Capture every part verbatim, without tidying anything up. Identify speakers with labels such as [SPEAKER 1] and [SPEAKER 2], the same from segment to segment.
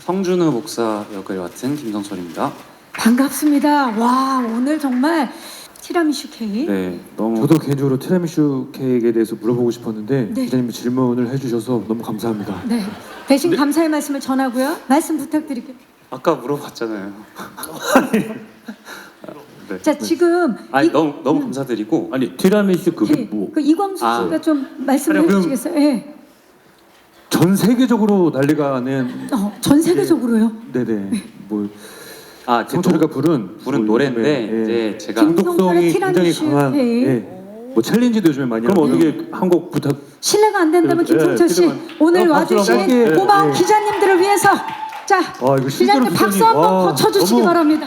[SPEAKER 1] 성준우 목사 역을 맡은 김성철입니다.
[SPEAKER 2] 반갑습니다. 와, 오늘 정말 티라미슈 케이크.
[SPEAKER 1] 네, 너무
[SPEAKER 3] 저도 개인적으로 티라미슈 케이크에 대해서 물어보고 싶었는데
[SPEAKER 2] 네.
[SPEAKER 3] 기자님이 질문을 해주셔서 너무 감사합니다.
[SPEAKER 2] 네. 대신 감사의 말씀을 전하고요. 말씀 부탁드릴게요.
[SPEAKER 1] 아까 물어봤잖아요. 네.
[SPEAKER 2] 자, 지금
[SPEAKER 1] 아니
[SPEAKER 2] 이-
[SPEAKER 1] 너무 너무 감사드리고
[SPEAKER 4] 아니 티라미슈 그게
[SPEAKER 2] 네,
[SPEAKER 4] 뭐?
[SPEAKER 2] 그 이광수
[SPEAKER 1] 아.
[SPEAKER 2] 씨가 좀 말씀을
[SPEAKER 3] 아니, 그럼-
[SPEAKER 2] 해주시겠어요? 예.
[SPEAKER 3] 전 세계적으로 난리가 난
[SPEAKER 2] 어, 전 세계적으로요.
[SPEAKER 3] 네네 뭐
[SPEAKER 1] 아, 제
[SPEAKER 3] 성철이가 부른
[SPEAKER 1] 부른
[SPEAKER 3] 뭐
[SPEAKER 1] 노래인데
[SPEAKER 3] 요즘에,
[SPEAKER 1] 이제
[SPEAKER 3] 예,
[SPEAKER 1] 제가
[SPEAKER 3] 중독성이
[SPEAKER 2] 김성철의
[SPEAKER 3] 굉장히
[SPEAKER 2] 티라미슈
[SPEAKER 3] 강한
[SPEAKER 2] 케이크.
[SPEAKER 3] 예, 뭐 챌린지도 요즘에 많이
[SPEAKER 4] 그럼
[SPEAKER 3] 하고
[SPEAKER 4] 어떻게 한 곡 부탁?
[SPEAKER 2] 실례가 안 된다면
[SPEAKER 4] 네,
[SPEAKER 2] 김성철 씨
[SPEAKER 4] 그러면-
[SPEAKER 2] 오늘
[SPEAKER 4] 그럼 박수로
[SPEAKER 2] 와주신
[SPEAKER 3] 한번 짧게,
[SPEAKER 2] 고마운
[SPEAKER 3] 네.
[SPEAKER 2] 기자님들을 위해서 자
[SPEAKER 3] 아, 이거 실제로
[SPEAKER 2] 기자님 박수
[SPEAKER 3] 기자님,
[SPEAKER 2] 한번
[SPEAKER 3] 와,
[SPEAKER 2] 더 쳐주시기
[SPEAKER 3] 너무-
[SPEAKER 2] 바랍니다.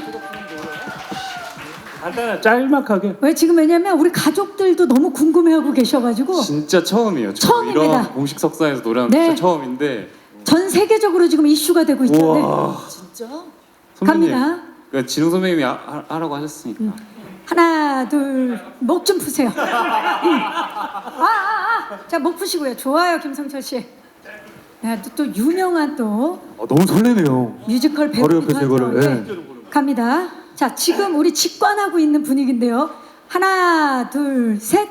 [SPEAKER 4] 간단한 짤막하게.
[SPEAKER 2] 왜 지금 왜냐면 우리 가족들도 너무 궁금해하고 계셔가지고
[SPEAKER 1] 진짜 처음이에요. 저
[SPEAKER 2] 처음입니다.
[SPEAKER 1] 이런 공식 석상에서 노래하는
[SPEAKER 2] 네.
[SPEAKER 1] 진짜 처음인데
[SPEAKER 2] 전 세계적으로 지금 이슈가 되고 있죠. 네.
[SPEAKER 1] 우와.
[SPEAKER 2] 진짜?
[SPEAKER 1] 선배님,
[SPEAKER 2] 갑니다.
[SPEAKER 1] 그 진웅 선배님이 하, 하- 하라고 하셨으니까
[SPEAKER 2] 하나, 둘, 목 좀 푸세요. 음. 아, 아, 아. 자, 목 푸시고요. 좋아요, 김성철 씨. 네, 또, 또 유명한 또
[SPEAKER 3] 어, 너무 설레네요.
[SPEAKER 2] 뮤지컬
[SPEAKER 3] 바로
[SPEAKER 2] 배우기도
[SPEAKER 3] 옆에서 이거를,
[SPEAKER 2] 하죠.
[SPEAKER 3] 예.
[SPEAKER 2] 네. 갑니다. 자, 지금 우리 직관하고 있는 분위기인데요. 하나, 둘, 셋.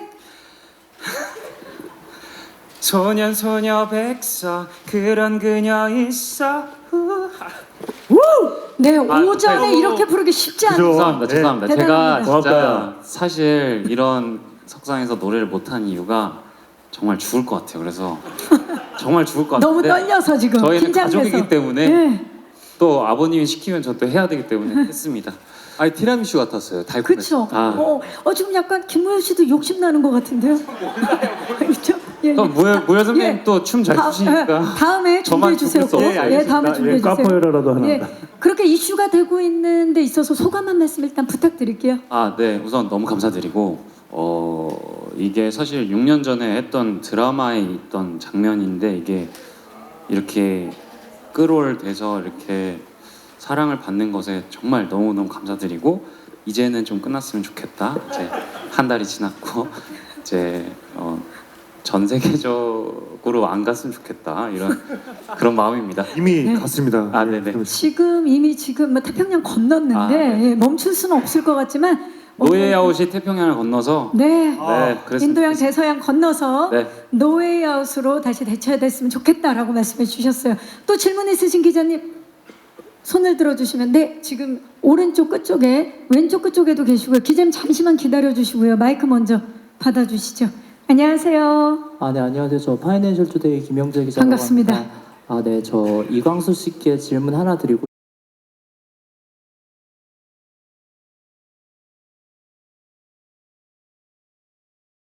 [SPEAKER 1] 소년 소녀 백서 그런 그녀 있어. 후.
[SPEAKER 2] 네,
[SPEAKER 1] 아,
[SPEAKER 2] 오전에
[SPEAKER 1] 네.
[SPEAKER 2] 이렇게 부르기 쉽지
[SPEAKER 3] 그죠.
[SPEAKER 2] 않아요.
[SPEAKER 1] 죄송합니다.
[SPEAKER 3] 네.
[SPEAKER 1] 죄송합니다. 제가
[SPEAKER 2] 대단합니다.
[SPEAKER 1] 진짜
[SPEAKER 4] 고맙다.
[SPEAKER 1] 사실 이런 석상에서 노래를 못한 이유가 정말 죽을 것 같아요. 그래서 정말 죽을 것 같은데
[SPEAKER 2] 너무 떨려서 지금
[SPEAKER 1] 저희는
[SPEAKER 2] 긴장돼서.
[SPEAKER 1] 가족이기 때문에
[SPEAKER 2] 네.
[SPEAKER 1] 또 아버님이 시키면 저 또 해야 되기 때문에 했습니다.
[SPEAKER 5] 아니 티라미슈 같았어요. 달콤했어요.
[SPEAKER 2] 그렇죠.
[SPEAKER 1] 아.
[SPEAKER 2] 어, 어 지금 약간 김무현 씨도 욕심 나는 것 같은데요. 그렇죠? 예,
[SPEAKER 1] 또 무열 무열 선배님
[SPEAKER 2] 예.
[SPEAKER 1] 또 춤 잘
[SPEAKER 2] 다-
[SPEAKER 1] 추시니까
[SPEAKER 2] 예, 다음에
[SPEAKER 1] 저만
[SPEAKER 2] 준비해 주세요.
[SPEAKER 1] 죽을 수
[SPEAKER 2] 꼭.
[SPEAKER 1] 없어요.
[SPEAKER 2] 예, 다음에 준비해
[SPEAKER 4] 예,
[SPEAKER 2] 주세요.
[SPEAKER 4] 카포에라라도 하나.
[SPEAKER 2] 예, 그렇게 이슈가 되고 있는 데 있어서 소감 한 말씀 일단 부탁드릴게요.
[SPEAKER 1] 아, 네. 우선 너무 감사드리고 어 이게 사실 육 년 전에 했던 드라마에 있던 장면인데 이게 이렇게 끌어올돼서 이렇게 사랑을 받는 것에 정말 너무너무 감사드리고 이제는 좀 끝났으면 좋겠다. 이제 한 달이 지났고 이제 어, 전 세계적으로 안 갔으면 좋겠다. 이런 그런 마음입니다.
[SPEAKER 3] 이미
[SPEAKER 2] 네.
[SPEAKER 3] 갔습니다.
[SPEAKER 1] 아, 네네.
[SPEAKER 2] 지금 이미 지금 뭐 태평양 건넜는데
[SPEAKER 1] 아, 네.
[SPEAKER 2] 예, 멈출 수는 없을 것 같지만
[SPEAKER 1] 노예아웃이 태평양을 건너서
[SPEAKER 2] 네.
[SPEAKER 1] 네, 그랬으면
[SPEAKER 2] 인도양
[SPEAKER 1] 좋겠습니다.
[SPEAKER 2] 대서양 건너서
[SPEAKER 1] 네.
[SPEAKER 2] 노웨이아웃으로 다시 대처됐으면 좋겠다라고 말씀해 주셨어요. 또 질문 있으신 기자님 손을 들어주시면 네 지금 오른쪽 끝쪽에 왼쪽 끝쪽에도 계시고요. 기자님 잠시만 기다려 주시고요. 마이크 먼저 받아주시죠. 안녕하세요.
[SPEAKER 6] 아, 네, 안녕하세요. 저 파이낸셜 투데이 김영재 기자라고
[SPEAKER 2] 반갑습니다.
[SPEAKER 6] 합니다. 아, 네, 저 이광수 씨께 질문 하나 드리고